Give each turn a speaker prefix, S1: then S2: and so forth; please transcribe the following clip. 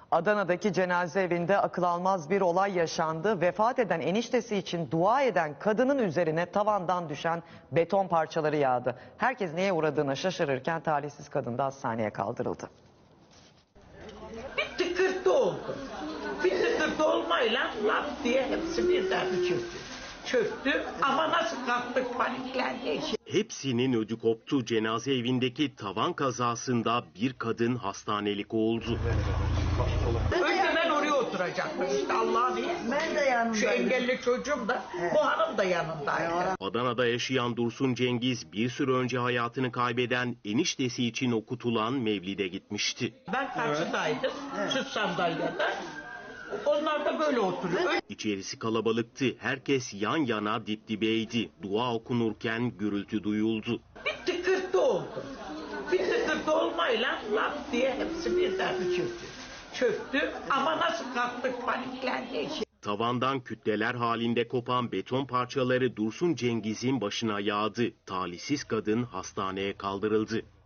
S1: Adana'daki cenaze evinde akıl almaz bir olay yaşandı. Vefat eden eniştesi için dua eden kadının üzerine tavandan düşen beton parçaları yağdı. Herkes neye uğradığına şaşırırken talihsiz kadın da hastaneye kaldırıldı.
S2: Bir tıkırtı oldu. Bir tıkırtı olmayla laf diye hepsi birden çöktü. Ama nasıl kalktık paniklendi.
S3: Hepsinin ödü koptu. Cenaze evindeki tavan kazasında bir kadın hastanelik oldu.
S2: Önce ben oraya oturacaktım işte Allah'ın izniyle.
S4: Ben de yanındaydım.
S2: Şu engelli çocuğum da, bu hanım da yanındaydı.
S3: Adana'da yaşayan Dursun Cengiz bir süre önce hayatını kaybeden eniştesi için okutulan mevlide gitmişti.
S2: Ben karşıdaydım, şu sandalyede. Onlar da böyle oturuyor.
S3: İçerisi kalabalıktı. Herkes yan yana dip dibeydi. Dua okunurken gürültü duyuldu.
S2: Bir tıkırtı oldu. Bir tıkırtı olmayla laf diye hepsi birden çöktü. Ama nasıl kalktık paniklendi.
S3: Tavandan kütleler halinde kopan beton parçaları Dursun Cengiz'in başına yağdı. Talihsiz kadın hastaneye kaldırıldı.